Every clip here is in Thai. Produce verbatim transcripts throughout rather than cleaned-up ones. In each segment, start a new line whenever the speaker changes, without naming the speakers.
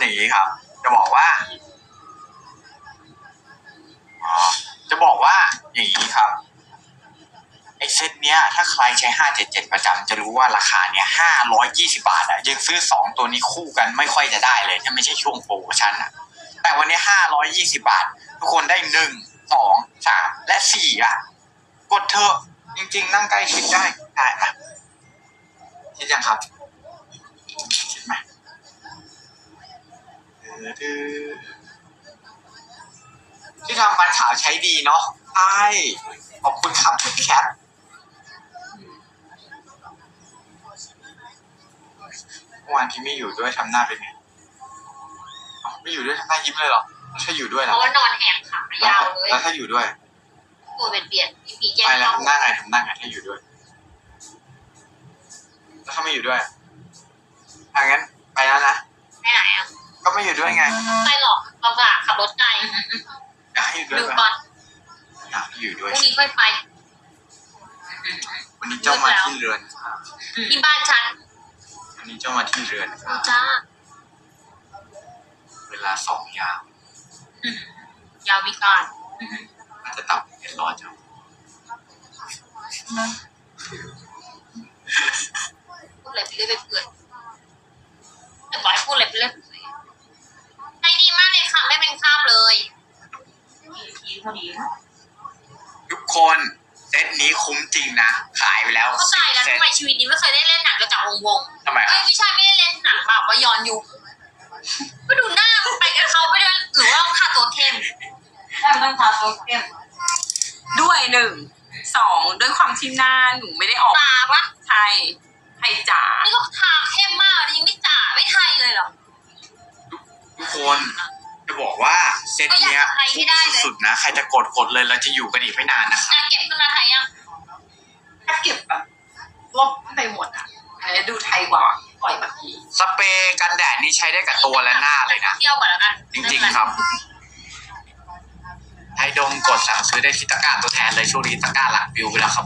อย่างนี้ครับจะบอกว่าอ๋อจะบอกว่าอย่างนี้ครับไอเซตเนี้ยถ้าใครใช้ห้าเจ็ดเจ็ดประจำจะรู้ว่าราคาเนี้ยห้าร้อยยี่สิบาทอ่ะยังซื้อสองตัวนี้คู่กันไม่ค่อยจะได้เลยถ้าไม่ใช่ช่วงโปรโมชั่นอ่ะแต่วันนี้ห้าร้อยยี่สิบาททุกคนได้หนึ่งสองสามและสี่อ่ะกดเถอะจริงๆนั่งใกล้ชิดได้ได้ปะชิดยังครับชิดไหมที่ทำฟันขาวใช้ดีเนาะใช่ขอบคุณครับคุณแคทเมื่อวานที่ไม่อยู่ด้วยทำหน้าเป็นไงไม่อยู่ด้วยทำหน้ายิ้มเลยเหรอถ้าอยู่ด้วย
เพ
นะ
ราะว่านอนแหกขายาวเลย
แล้วถ้าอยู่ด้วย
ตัวเป็นเบียดพี่พีแจ้ง
ไปแล้ว
เข้า
ทำหน้าไงทำหน้าไงถ้าอยู่ด้วยแล้วถ้าไม่อยู่ด้วยอ่ะงั้นไปแล้วนะ
ไปไหนอ่ะ
ก็ไม่อยู่ด้วยไง
ไปหรอกลำบากขับรถไกล
อยากให้อยู่ด้วย
ดู
ไหม
ก่อน
อยากให้อยู่
พ
ด้วย
รุ่งนี้ค่อยไป
วันนี้เจ้ามาที่เรือน
ที่บ้านฉัน
วันนี้เจ้ามาที่เรือน
ดูจ้า
เวลาสองยาม
ยาวมีการ
อาจจะตับเป็นรอเจ้า
พูดอะไรไปเรื่อยไปเปื่อยแต่บอกให้พูดอะไรไปเรื่อยใช้ดีมากเลยค่ะไม่เป็นคราบเลยทีเท่านี้
ทุกคนเซตนี้คุ้มจริงนะขายไปแล้ว
เข้าใจแล้ว
เซต
ทำไมชีวิตนี้ไม่เคยได้เล่นหนังเกี่ยวกับวงวง
ทำไม
เอ้ยไม่ใช่ไม่ได้เล่นหนังแบบว่าย้อนยุคก็ดูหน้ามันไปกับเขาไปด้วยหรือว่าต้องทาตัวเข้ม
ได้ต้องทาตัวเข้มด้วยหนึ่งสองด้วยความที่หน้าหนูไม่ได้ออก
ตาปะ
ไทยไทยจ๋า
นี่ก็ทาเข้มมากยังไม่จ่าไม่ไทยเลยเหรอ
ทุกคนจะบอกว่าเซตเนี้ยคุ้มสุดๆนะใครจะกดกดเลยเราจะอยู่กันอีกไม่นานนะครับ
อ่ะเก็บขึ้นมาไทยยัง
ถ้าเก็บแบบลบไปหมดอ่ะอันนี้ดูไทยกว่าปล่อยแบบนี้
สเปรย์กันแดดนี่ใช้ได้กับตัวและหน้าเลยนะ
เที่ยวก่อนแล้วกัน
จริงๆครับไทยดมกดสั่งซื้อได้ที่ตะกร้าตัวแทนเลยช่วงนี้ตะกร้าหลักวิวไปแล้วครับ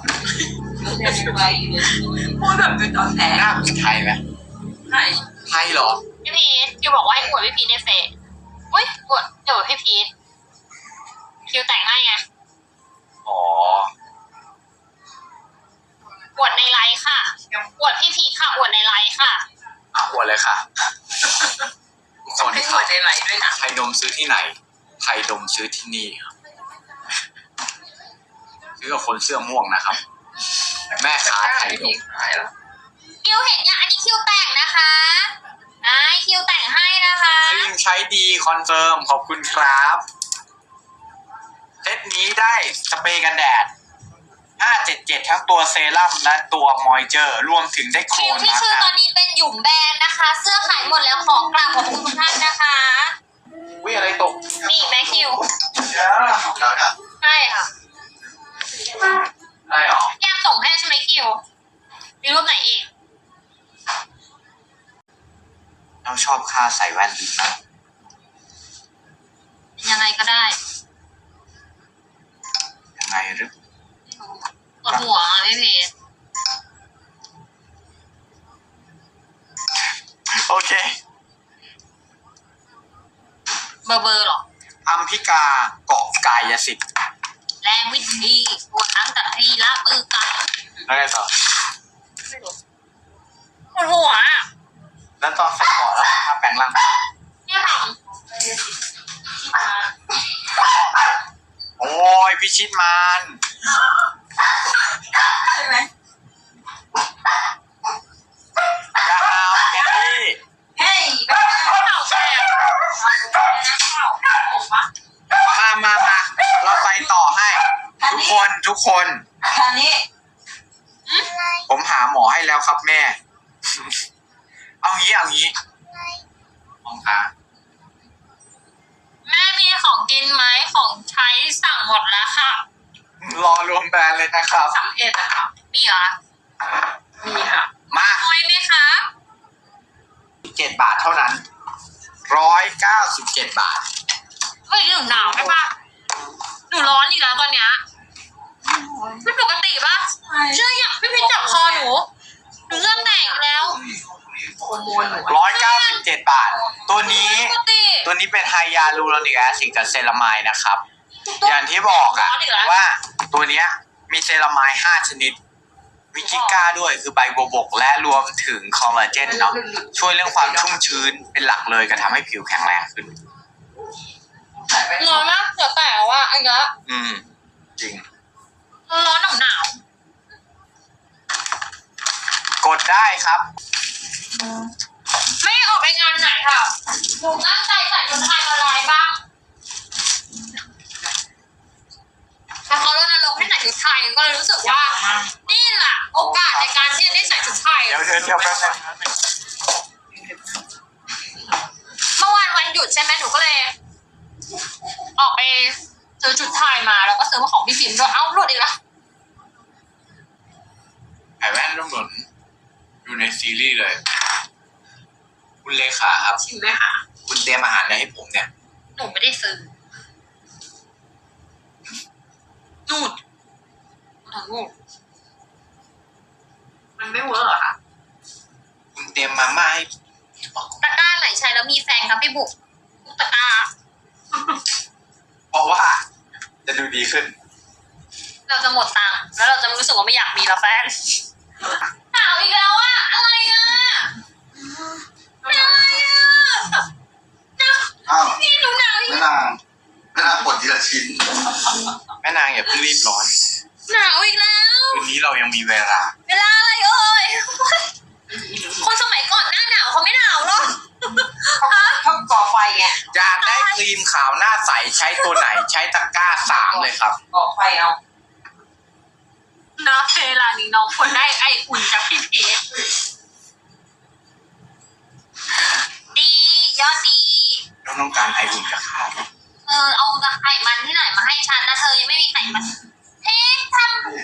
พูดแบบดูตอนแร
หน้าก เป็นไทยไหม
ไทย
ไทยเหรอ
พี่พีทคิวบอกว่าให้อวดพี่พีทในเฟซอุ้ยอวดเดี๋ยวพี่พีทคิวแต่งให้ไง
อ๋อ
อวดในไลฟ์ค่ะอวดพี่พีทค่ะอวดในไลฟ์ค่ะ
อ่ะอวดเลยค่ะทุกค
ต้อง
น
ให้
ค
หั
รั
ว
บ
ในไลน์ด้วยนะ
ไทยดมซื้อที่ไหนไทยดมซื้อที่นี่ครับซื้อกับคนเสื้อม่วงนะครับ แม่ค้าไทยดม
คิวเห็นยังอันนี้คิวแต่งนะคะไอ้คิวแต่งให้นะคะ
ซึ่งใช้ดีคอนเฟิร์มขอบคุณครับเซตนี้ได้สเปรย์กันแดดห้าเจ็ดเจ็ดทั้งตัวเซรั่มและตัวมอยเจอร์รวมถึงได้โคล
คิวน ที่
มา
ชื่อตอ
ก
นนี้เป็นหยุ่มแบรนด์นะคะ เสื้อขายหมดแล้วของกราบขอบคุณทุกท่านนะคะ
วิอะไรตก
มีอีกไหมคิว
แล้วนะ
ใช่ค่ะ
ได้หรอ
แก้มส่งให้ใช่ไหมคิวมีรูปไหนอีก
เราชอบค่าใส่แว่นดีมาก
ยังไงก็ได้
ยังไงหรือ
ปวดหัวอ่ะพี่เพชร
โอเค
เบอร์เบอร์หรอ
อัมพิกาเกาะกายสิทธิ์
แรงวิธีปวดทั้งแต่ที่ลาบเออกัน
แล้วไงต่อ
ปวดหัวอ่ะ
แล้วตอนใส่เกาะแล้วถ้าแปลงร่าง
เนี่ยท
โอ้ยพิชิตมัน
ใช่ไหม
ยาวแค่นี้
เฮ้ยแม่
ำเข่าแตก
มามามาเราไปต่อให้ ทุกคนทุกคน
คันนี้
ผมหาหมอให้แล้วครับแม่ เอางี้เอางี้มองค่ะ
แม่มีของกินไหมของใช้สั่งหมดแล้วค่ะ
รอรวมแบรนด์เลยนะครับ
สามเอ็ดอะค่ะ
มีเหรอ
มีค่ะ
มา
น้อยไหมคะ
เจ็ดบาทเท่านั้นร้อยเก้าสิบเจ็ดบาท
เฮ้ยหนูหนาวใช่ปะหนูร้อนอีกแล้วตอนเนี้ยไม่ปกติปะเชื่ออย่างพี่พิชจับคอหนูหนูเริ่มแตกแล้ว
โ
ฮอร์โมนหนู
ร้อยเก้าสิบเจ็ดบาท ตัวนี้
ปกติ
ตัวนี้เป็นไฮยาลูโรนิกแอซิดกับเซรามายนะครับ อย่างที่บอกอะว่าตัวเนี้ยมีเซรามายห้าชนิด วิกิก้าด้วยคือใบบัวบกและรวมถึงคอลลาเจนเนาะช่วยเรื่องความชุ่มชื้นเป็นหลักเลยก็ทำให้ผิวแข็งแรงขึ้น
ร้อนมากเดี๋ยวแต่ว่าอันเนี้ย
อืม จริง
ร้อนหนาวหนาว
กดได้ครับ
ไม่ออกไปงานไหนค่ะหนูตั้งใจใส่ชุดไทยมาลายบ้างแต่เขารณรงค์ให้ใส่ชุดไทยก็เลยรู้สึกว่า นี่แหละโอกาสในการที่จะได้ใส่ชุดไทย
เดี๋ยวเดี๋ยวเดี๋ยวแป๊บนึง
เมื่อวานวันหยุดใช่ไหมหนูก็เลย ออกไปซื้อชุดไทยมาแล้วก็ซื้อมาของพี่พิมพ์ด้วยเอ้าหลุดอีกแล้ว
ไอแว่นร่มหนุนอยู่ในซีรีส์เลย คุณเลขาครับ
ชิมไหมคะ
คุณเตรียมอาหารอะไรให้ผมเนี่ย
หนูไม่ได้ซื้อ
นูด
ทั้งหมด
มันไม่เวิร์กเหรอคะ
คุณเตรียมมาม่าให้
ตะกร้าไหนใช้แล้วมีแฟนครับพี่บุกทุกตะกร้า
เพราะว่าจะดูดีขึ้น
เราจะหมดตังค์แล้วเราจะรู้สึกว่าไม่อยากมีแล้วแฟนหนาวอีกแล้วอะอะไรอะอะไรอะ
อ้าว
พี่หนูหนาวอีก
แม่นางแม่นางกดทีละชิ้น
แม่นางอย่าเพิ่งรีบร้อน
หนาวอีกแล้ว
คืนนี้เรายังมีเวลา
เวลาอะไรเอ่ยคนสมัยก่อนหน้าหนาวเขาไม่หนาวหรอก
เขาก่อไฟไง
อยากได้ครีมขาวหน้าใสใช้ตัวไหนใช้ตะกร้าสามเลยครับ
ก่อไฟเอาเนาะเวลานี้น้องควรได้ไออุ่นจากพี่เพชร
ดียอดดี
เราต้องการไออุ่นจากข้าวไหม
เออเอาไข่มันที่ไหนมาให้ฉันนะเธอยังไม่มีไข่มันเอ๊ะท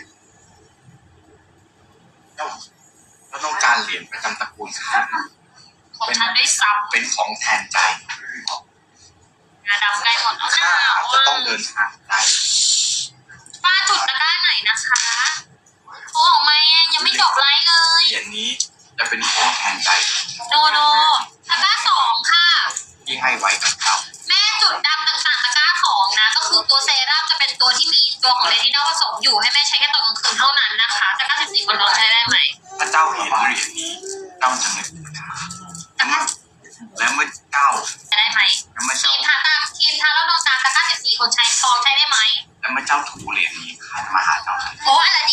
เราเราต้องการเหรียญประจำตระกูลข้าว
ำของฉันได้ซ้
เป็นของแทนใจ
ำงาดำใกล้หมดแล้วห
ข้า
นา
อาจ
ว
จะต้องเดินทางไกล
ป้าจุดตะกร้าไหนนะคะโอ้ไม่อะยังไม่จบไลฟ์เลย
เหรียญนี้จะเป็นของแทนใจ
โนโนตะกร้าสองค่ะ
ที่ให้ไว้กับเขา
แม่จุดดำต่างๆตะกร้าสองนะ ก็คือตัวเซรั่มจะเป็นตัวที่มีตัวของเลตินอลผสมอยู่ให้แม่ใช้แค่ตอนกลางคืนเท่านั้นนะคะตะกร้าสิบสี่คนนอนใช้ได้ไหม
พระเจ้าเห็นเหรียญนี้เจ้าจะนึกถึงข้า
ตะกร้า
และเมื่อเจ้า
ใช้ได้ไหม
และเมื่อ
ครี
เจ้าม
ทาตาครีมทาแล้วนอนตาตะกร้าสิบสี่คนใช้ทองใช้ได้ไหม
และเมื่อเจ้าถูเหรียญนี้ข้าจะมาหาเจ้าทันที
โอ้อะไร